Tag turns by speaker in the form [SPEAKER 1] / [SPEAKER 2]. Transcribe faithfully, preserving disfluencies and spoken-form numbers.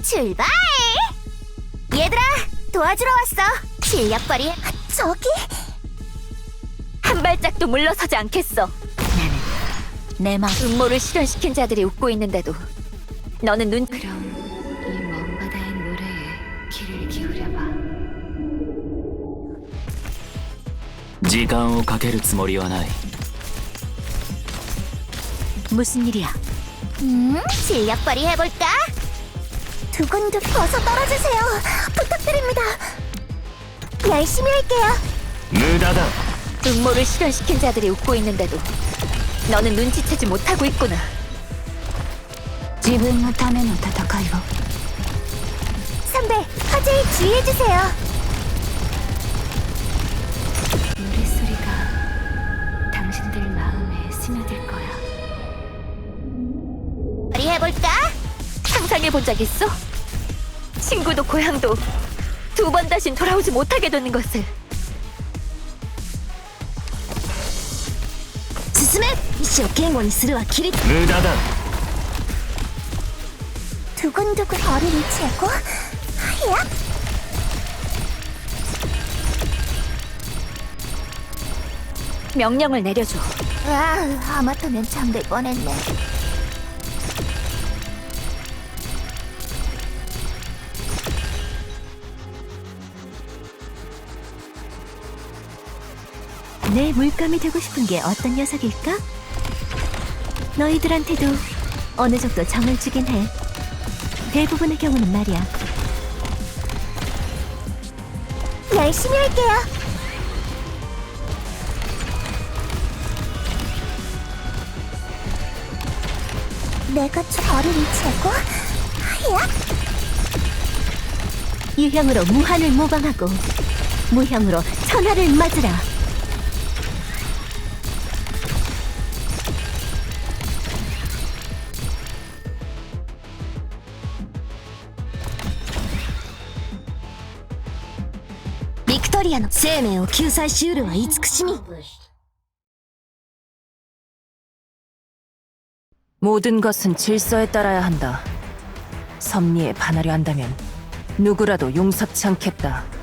[SPEAKER 1] 출발! 얘들아, 도와주러 왔어. 실력 발휘. 저기
[SPEAKER 2] 한 발짝도 물러서지 않겠어. 나는 내 마음 음모를 실현시킨 자들이 웃고 있는데도 너는 눈... 그럼 이 먼 바다의 노래에 귀를 기울여봐.
[SPEAKER 3] 時間をかけるつもりはない。
[SPEAKER 2] 무슨 일이야?
[SPEAKER 1] 음, 실력 발휘 해볼까? 두근두근 어서 떨어지세요. 부탁드립니다. 열심히 할게요.
[SPEAKER 3] 無駄だ。
[SPEAKER 2] 음모를 실현시킨 자들이 웃고 있는데도 너는 눈치채지 못하고 있구나.
[SPEAKER 1] 自分のための戦いを. 선배, 화재에 주의해주세요.
[SPEAKER 2] 노랫소리가 당신들 마음에 스며들 거야.
[SPEAKER 1] 발휘해볼까?
[SPEAKER 2] 상상해본 적 있어? 친구도 고향도 두 번 다신 돌아오지 못하게 되는 것을.
[SPEAKER 1] 進め意志を堅固にするはキリッ
[SPEAKER 3] 無駄だ。
[SPEAKER 1] 두근두근 거리를 재고 야!
[SPEAKER 2] 명령을 내려줘.
[SPEAKER 1] 와, 하마터면 잠들 뻔했네.
[SPEAKER 2] 내 물감이 되고 싶은 게 어떤 녀석일까? 너희들한테도 어느 정도 정을 주긴 해. 대부분의 경우는 말이야.
[SPEAKER 1] 열심히 할게요. 내가 저 거리를 재고 야!
[SPEAKER 2] 유형으로 무한을 모방하고 무형으로 천하를 맞으라.
[SPEAKER 1] 빅토리아의 生命を救済しうるは慈しみ.
[SPEAKER 4] 모든 것은 질서에 따라야 한다. 섭리에 반하려 한다면 누구라도 용서치 않겠다.